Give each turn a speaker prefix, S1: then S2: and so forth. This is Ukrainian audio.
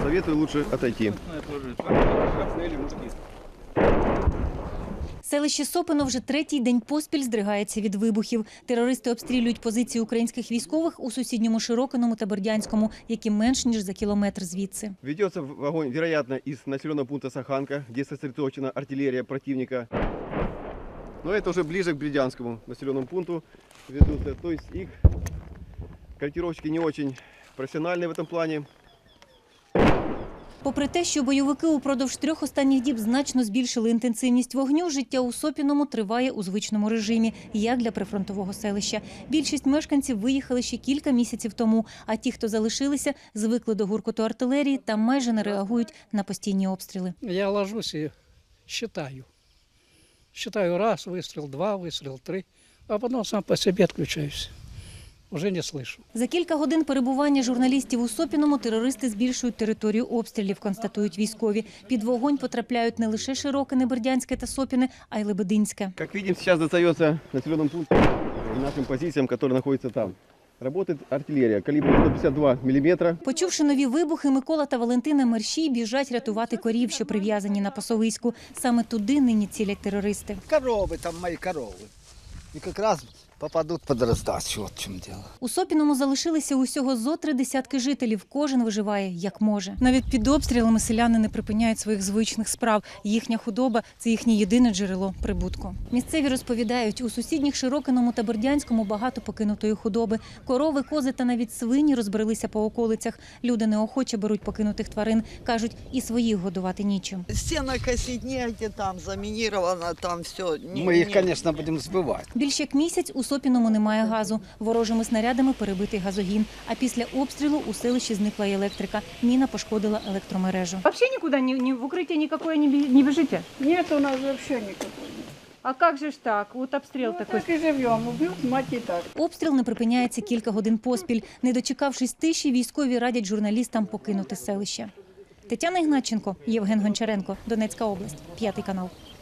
S1: Советую лучше отойти.
S2: Селище Сопино вже третій день поспіль здригається від вибухів. Терористи обстрілюють позиції українських військових у сусідньому Широкиному та Бердянському, які менш ніж за кілометр звідси.
S1: Ведется огонь, вероятно, из населенного пункта Саханка, где сосредоточена артиллерия противника. Но это уже ближе к Бердянскому населенному пункту ведутся. То есть их корректировщики не очень профессиональные в этом плане.
S2: Попри те, що бойовики упродовж 3 останніх діб значно збільшили інтенсивність вогню, життя у Сопіному триває у звичному режимі, як для прифронтового селища. Більшість мешканців виїхали ще кілька місяців тому, а ті, хто залишилися, звикли до гуркоту артилерії та майже не реагують на постійні обстріли.
S3: Я ложусь і считаю. Считаю раз вистріл, два вистріл, три, а потім сам по собі відключаюся. Уже не слышу.
S2: За кілька годин перебування журналістів у Сопіному терористи збільшують територію обстрілів, констатують військові. Під вогонь потрапляють не лише Широкине, Бердянське та Сопіне, а й Лебединське.
S1: Как видим, сейчас достается населенным пунктам и нашим позициям, которые находятся там. Работает артиллерия калибром 152 мм.
S2: Почувши нові вибухи, Микола та Валентина мерщій біжать рятувати корів, що прив'язані на пасовиську. Саме туди нині цілять терористи.
S4: Коровы, там мои коровы. И как раз попадут под раздачу, вот в чем дело.
S2: У Сопіному залишилися усього зо 3 десятки жителів. Кожен виживає як може. Навіть під обстрілами селяни не припиняють своїх звичних справ. Їхня худоба – це їхнє єдине джерело прибутку. Місцеві розповідають, у сусідніх Широкиному та Бердянському багато покинутої худоби. Корови, кози та навіть свині розбрелися по околицях. Люди неохоче беруть покинутих тварин. Кажуть, і своїх годувати нічим.
S5: Стена косить негде, там заминировано, там все.
S4: Мы их, конечно, будем сбывать.
S2: Більш як місяць у Сопіному немає газу. Ворожими снарядами перебитий газогін. А після обстрілу у селищі зникла й електрика. Міна пошкодила електромережу.
S6: Вообще никуда в укрытие никакое не бежите?
S7: Нет у нас вообще никакого.
S6: А как же ж так? Вот обстрел
S7: Ну,
S6: такой.
S7: так и живем, убьют мать и так.
S2: Обстріл не припиняється кілька годин поспіль. Не дочекавшись тиші, військові радять журналістам покинути селище. Тетяна Ігнатченко, Євген Гончаренко, Донецька область, 5 канал.